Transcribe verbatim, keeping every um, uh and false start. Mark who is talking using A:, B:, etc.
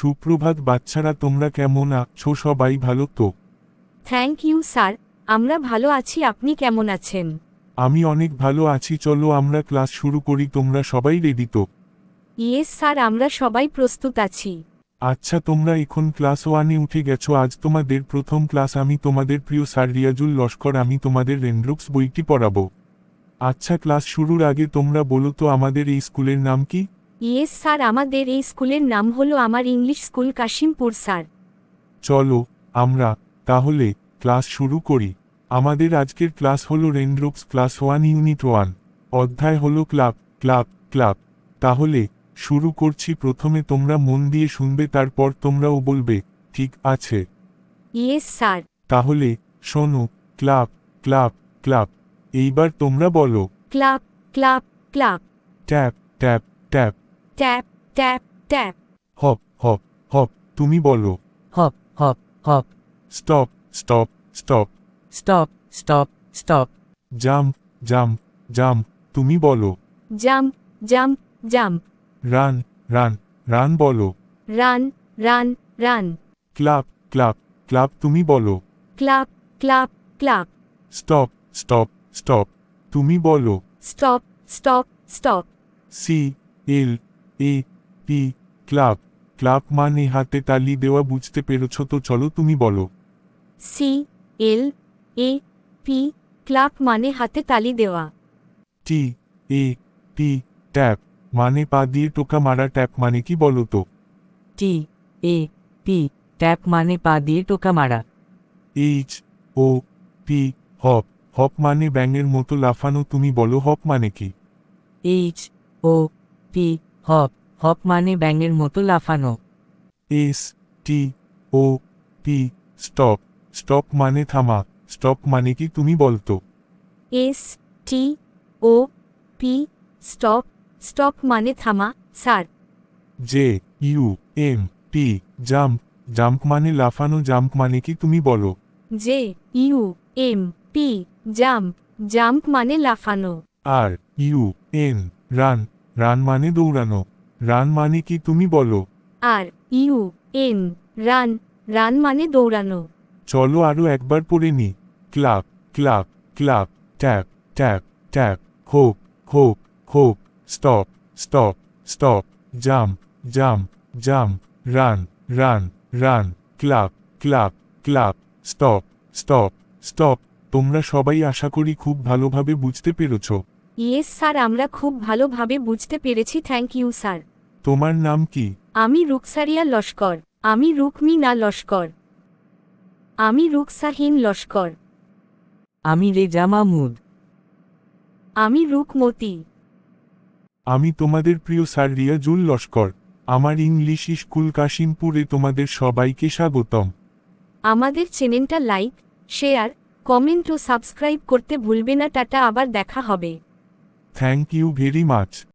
A: সুপ্রভাত বাচ্চারা, তোমরা কেমন আছো? সবাই ভালো তো?
B: থ্যাংক ইউ স্যার, আমরা ভালো আছি। আপনি কেমন আছেন?
A: আমি অনেক ভালো আছি। চলো আমরা ক্লাস শুরু করি। তোমরা সবাই রেডি তো?
B: ইয়েস স্যার, আমরা সবাই প্রস্তুত আছি।
A: আচ্ছা, তোমরা এখন ক্লাস ওয়ানে উঠে গেছো। আজ তোমাদের প্রথম ক্লাস। আমি তোমাদের প্রিয় স্যার রিয়াজুল লস্কর। আমি তোমাদের রেনড্রুক্স বইটি পড়াবো। আচ্ছা, ক্লাস শুরুর আগে তোমরা বলো তো আমাদের এই স্কুলের নাম কি?
B: ইয়েস স্যার, আমাদের এই স্কুলের নাম হলো আমার ইংলিশ স্কুল কাশিমপুর স্যার।
A: চলো আমরা তাহলে ক্লাস শুরু করি। আমাদের আজকের ক্লাস হলো রেনড্রুক্স ক্লাস ওয়ান ইউনিট ওয়ান। অধ্যায় হলো ক্লাব ক্লাব ক্লাব। তাহলে শুরু করছি। প্রথমে তোমরা মন দিয়ে শুনবে, তারপর তোমরাও বলবে, ঠিক আছে?
B: Yes sir.
A: তাহলে শোনো, ক্লাব ক্লাব ক্লাব। এইবার তোমরা বলো,
B: clap clap clap.
A: Tap tap tap.
B: Tap tap tap.
A: Hop hop hop. তুমি বলো,
C: hop, hop, hop,
A: stop stop stop.
C: stop, stop, stop,
A: jump jump jump. তুমি বলো,
B: jump jump jump.
A: Run run run. বলো,
B: run run run.
A: Clap clap clap. তুমি বলো,
B: clap clap clap.
A: Stop stop stop. তুমি বলো,
B: stop stop stop.
A: C L A P clap. Clap মানে হাতে তালি দেওয়া। বুঝতে পেরেছ তো? চলো তুমি বলো,
B: C L A P clap মানে হাতে তালি দেওয়া।
A: টি এ পি ট্যাপ মানে পা দিয়ে টোকা মারা। ট্যাপ মানে কি বলো তো?
C: T, A, P, ট্যাপ মানে পা দিয়ে টোকা মারা।
A: H O P hop. Hop মানে ব্যাঙের মতো লাফানো। তুমি বলো, হপ মানে কি?
C: H, O, P, hop, hop মানে ব্যাঙের মতো লাফানো।
A: S T O P stop. Stop মানে থামা। স্টপ মানে কি? তুমি বলতো?
B: S T O P stop. Stop মানে থামা sir.
A: J U M P jump. Jump মানে লাফানো। জাম্প মানে কি? তুমি বলো?
B: J U M P jump. Jump মানে লাফানো।
A: R U N run. Run মানে দৌড়ানো। রান মানে কি? তুমি বলো?
B: R U N run. Run মানে দৌড়ানো।
A: চলো আরও একবার পড়ে নি। Clap clap clap. Tap tap tap. Hop hop hop. Stop stop stop. Jump jump jump. Run run run. Clap clap clap. Stop stop stop. তোমরা সবাই আশা করি খুব ভালোভাবে বুঝতে পেরেছ।
B: ইয়েস স্যার, আমরা খুব ভালোভাবে বুঝতে পেরেছি। Thank you sir.
A: তোমার নাম কি?
B: আমি রুকসারিয়া লস্কর। আমি রুকমিনা লস্কর। আমি রুকসাহীন লস্কর।
C: আমি রেজা মাহমুদ।
B: আমি রুকমতি।
A: আমি তোমাদের প্রিয় স্যার রিয়াজুল লস্কর। আমার ইংলিশ স্কুল কাশিমপুরে তোমাদের সবাইকে স্বাগতম।
B: আমাদের চ্যানেলটা লাইক, শেয়ার, কমেন্ট ও সাবস্ক্রাইব করতে ভুলবে না। টাটা, আবার দেখা হবে।
A: Thank you very much.